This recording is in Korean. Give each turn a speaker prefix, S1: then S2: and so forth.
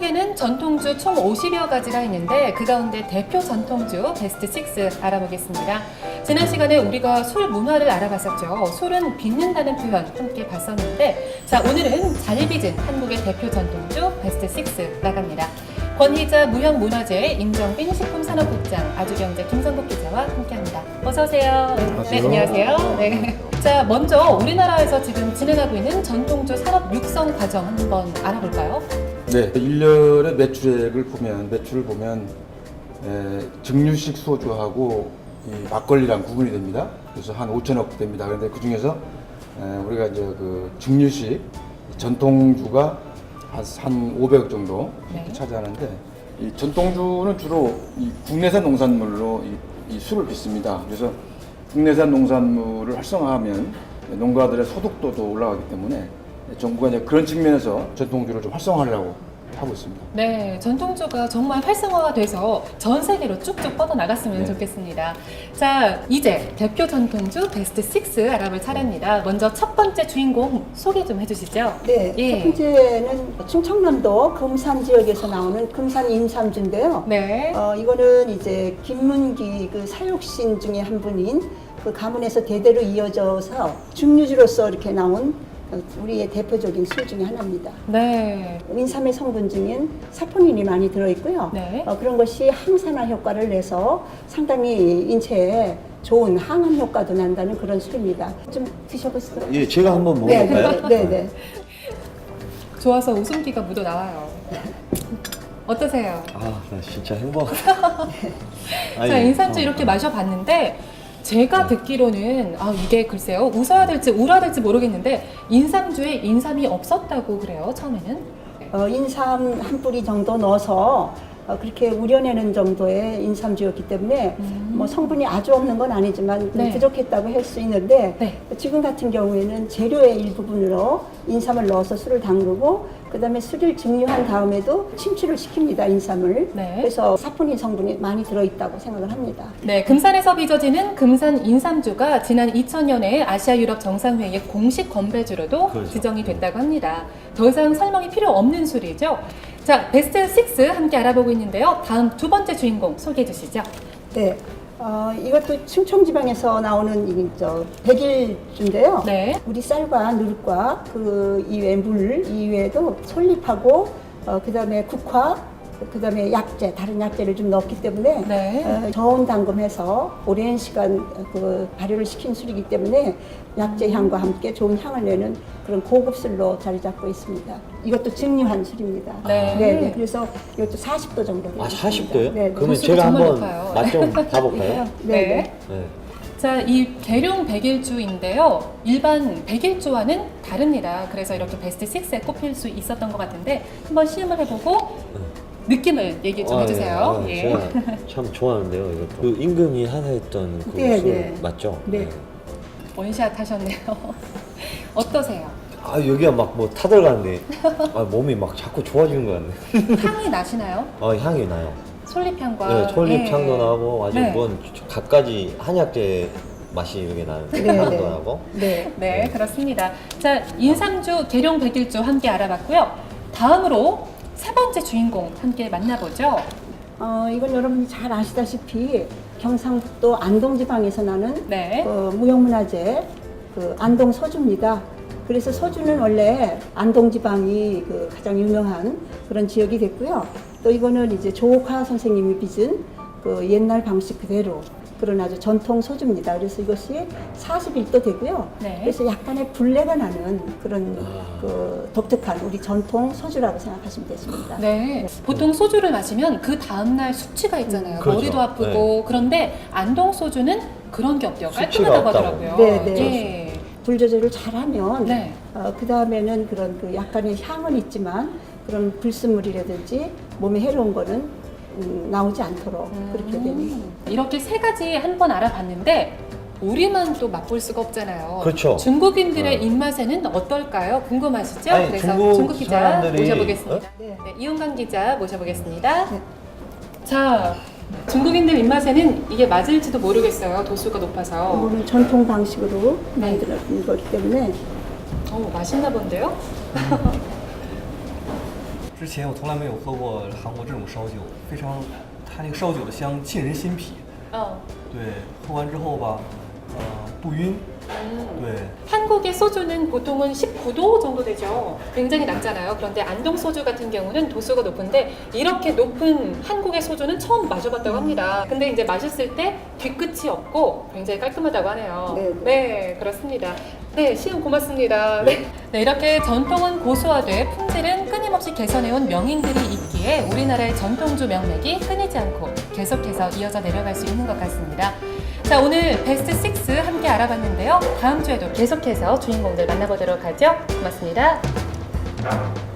S1: 한국에는 전통주 총 50여 가지가 있는데 그 가운데 대표 전통주 베스트 6 알아보겠습니다. 지난 시간에 우리가 술 문화를 알아봤었죠. 술은 빚는다는 표현 함께 봤었는데 자, 오늘은 잘 빚은 한국의 대표 전통주 베스트 6 나갑니다. 권희자 무형문화재 임정빈 식품산업국장 아주경제 김성국 기자와 함께합니다. 어서 오세요. 네, 안녕하세요. 네. 자, 먼저 우리나라에서 지금 진행하고 있는 전통주 산업 육성 과정 한번 알아볼까요?
S2: 네, 1년의 매출을 보면 증류식 소주하고 이 막걸리랑 구분이 됩니다. 그래서 한 5천억 됩니다. 그런데 그 중에서 우리가 이제 그 증류식 전통주가 한 500억 정도
S1: 네.
S2: 차지하는데 이 전통주는 주로 이 국내산 농산물로 이 술을 빚습니다. 그래서 국내산 농산물을 활성화하면 농가들의 소득도도 올라가기 때문에 정부가 이제 그런 측면에서 전통주를 좀 활성화하려고 하고 있습니다.
S1: 네, 전통주가 정말 활성화가 돼서 전 세계로 쭉쭉 뻗어나갔으면
S2: 네.
S1: 좋겠습니다. 자, 이제 대표 전통주 베스트 6 알아볼 차례입니다. 먼저 첫 번째 주인공 소개 좀 해주시죠.
S3: 네,
S1: 예.
S3: 첫 번째는 충청남도 금산 지역에서 나오는 금산 인삼주인데요.
S1: 네.
S3: 이거는 이제 김문기 그 사육신 중에 한 분인 그 가문에서 대대로 이어져서 증류주로서 이렇게 나온 우리의 대표적인 술 중에 하나입니다.
S1: 네.
S3: 인삼의 성분 중엔 사포닌이 많이 들어있고요.
S1: 네.
S3: 그런 것이 항산화 효과를 내서 상당히 인체에 좋은 항암 효과도 난다는 그런 술입니다. 좀 드셔보세요.
S4: 예, 제가 한번
S3: 네,
S4: 먹어볼까요?
S3: 네, 네, 네.
S1: 좋아서 웃음기가 묻어 나와요. 어떠세요?
S4: 아, 나 진짜 행복하다.
S1: 자, 인삼주 이렇게 마셔봤는데 제가 듣기로는 이게 글쎄요 웃어야 될지 울어야 될지 모르겠는데 인삼주에 인삼이 없었다고 그래요 처음에는.
S3: 인삼 한 뿌리 정도 넣어서 그렇게 우려내는 정도의 인삼주였기 때문에 뭐 성분이 아주 없는 건 아니지만
S1: 네.
S3: 부족했다고 할 수 있는데
S1: 네.
S3: 지금 같은 경우에는 재료의 일부분으로 인삼을 넣어서 술을 담그고 그 다음에 술을 증류한 다음에도 침출을 시킵니다, 인삼을.
S1: 네.
S3: 그래서 사포닌 성분이 많이 들어있다고 생각을 합니다.
S1: 네, 금산에서 빚어지는 금산 인삼주가 지난 2000년에 아시아 유럽 정상회의의 공식 건배주로도
S4: 그렇죠.
S1: 지정이 됐다고 합니다. 더 이상 설명이 필요 없는 술이죠. 자, 베스트 6 함께 알아보고 있는데요. 다음 두 번째 주인공 소개해 주시죠.
S3: 네. 이것도 충청지방에서 나오는 백일주인데요.
S1: 네.
S3: 우리 쌀과 누룩과 그 이외 물 이외에도 솔잎하고 그다음에 국화 그다음에 약재 다른 약재를 좀 넣기 때문에
S1: 네.
S3: 저온 담금해서 오랜 시간 그 발효를 시킨 술이기 때문에 약재 향과 함께 좋은 향을 내는 그런 고급 술로 자리 잡고 있습니다. 이것도 증류한 술입니다.
S1: 네.
S3: 네. 그래서 이것도 40도 정도 되어
S4: 아,
S3: 있습니다.
S4: 40도요?
S3: 네.
S4: 그러면
S1: 도수가
S4: 제가
S1: 정말
S4: 한번
S1: 높아요.
S4: 맛 좀 봐볼까요?
S3: 네.
S4: 네.
S1: 자, 이 계룡 백일주인데요. 일반 백일주와는 다릅니다. 그래서 이렇게 베스트 6에 꼽힐 수 있었던 것 같은데 한번 시음을 해보고 느낌을 얘기 좀 해주세요.
S4: 예.
S1: 예.
S4: 제가 참 좋아하는데요, 이것도. 그 임금이 하나 했던 그
S3: 네,
S4: 술
S3: 네.
S4: 맞죠?
S3: 네.
S1: 원샷 하셨네요. 어떠세요?
S4: 아, 여기가 막 뭐 타들어가는데 몸이 막 자꾸 좋아지는 것 같네.
S1: 향이 나시나요?
S4: 향이 나요.
S1: 솔잎향과.
S4: 네, 솔잎향도 나고 아주
S1: 네.
S4: 뭔 갖가지 한약재 맛이 이렇게 나는
S3: 네,
S4: 향도
S3: 네.
S4: 나고.
S3: 네.
S1: 네, 그렇습니다. 자, 인삼주, 계룡 백일주 함께 알아봤고요. 다음으로 세 번째 주인공 함께 만나보죠.
S3: 이건 여러분이 잘 아시다시피 경상북도 안동지방에서 나는
S1: 네.
S3: 무형문화재 안동 소주입니다. 그래서 소주는 원래 안동지방이 가장 유명한 그런 지역이 됐고요. 또 이거는 이제 조옥화 선생님이 빚은 옛날 방식 그대로 그런 아주 전통 소주입니다. 그래서 이것이 41도 되고요.
S1: 네.
S3: 그래서 약간의 불내가 나는 그런 독특한 우리 전통 소주라고 생각하시면 되십니다.
S1: 네. 보통 소주를 마시면 그 다음날 숙취가 있잖아요.
S4: 그렇죠.
S1: 머리도 아프고. 그런데 안동 소주는 그런 게 없대요.
S4: 숙취가
S1: 깔끔하다고
S4: 없다고.
S1: 하더라고요.
S3: 네, 네.
S1: 예.
S3: 불 조절을 잘하면
S1: 네.
S3: 그 다음에는 그런 약간의 향은 있지만 그런 불순물이라든지 몸에 해로운 거는 나오지 않도록 그렇게 됩니다.
S1: 이렇게 세 가지 한 번 알아봤는데 우리만 또 맛볼 수가 없잖아요.
S4: 그렇죠.
S1: 중국인들의 입맛에는 어떨까요? 궁금하시죠?
S4: 아니,
S1: 그래서
S4: 중국
S1: 기자
S4: 사람들이-
S1: 모셔보겠습니다.
S3: 네.
S1: 네, 이은강 기자 모셔보겠습니다.
S3: 네.
S1: 자, 중국인들 입맛에는 이게 맞을지도 모르겠어요. 도수가 높아서.
S3: 이거는 전통 방식으로 만들어진 거기 때문에
S1: 맛있나 본데요?
S5: 之前我从来没有喝过韩国这种烧酒，非常，它那个烧酒的香沁人心脾。
S1: 어.
S5: 对，喝完之后吧，不晕。 对。
S1: 한국의 소주는 보통은 19도 정도 되죠. 굉장히 낮잖아요. 그런데 안동 소주 같은 경우는 도수가 높은데 이렇게 높은 한국의 소주는 처음 마셔봤다고 합니다. 근데 이제 마셨을 때 뒤끝이 없고 굉장히 깔끔하다고 하네요.
S3: 네,
S1: 네, 그렇습니다. 네, 시험 고맙습니다. 네. 네, 이렇게 전통은 고수화돼 품질은 끊임없이 개선해온 명인들이 있기에 우리나라의 전통주 명맥이 끊이지 않고 계속해서 이어져 내려갈 수 있는 것 같습니다. 자, 오늘 베스트 6 함께 알아봤는데요. 다음 주에도 계속해서 주인공들 만나보도록 하죠. 고맙습니다.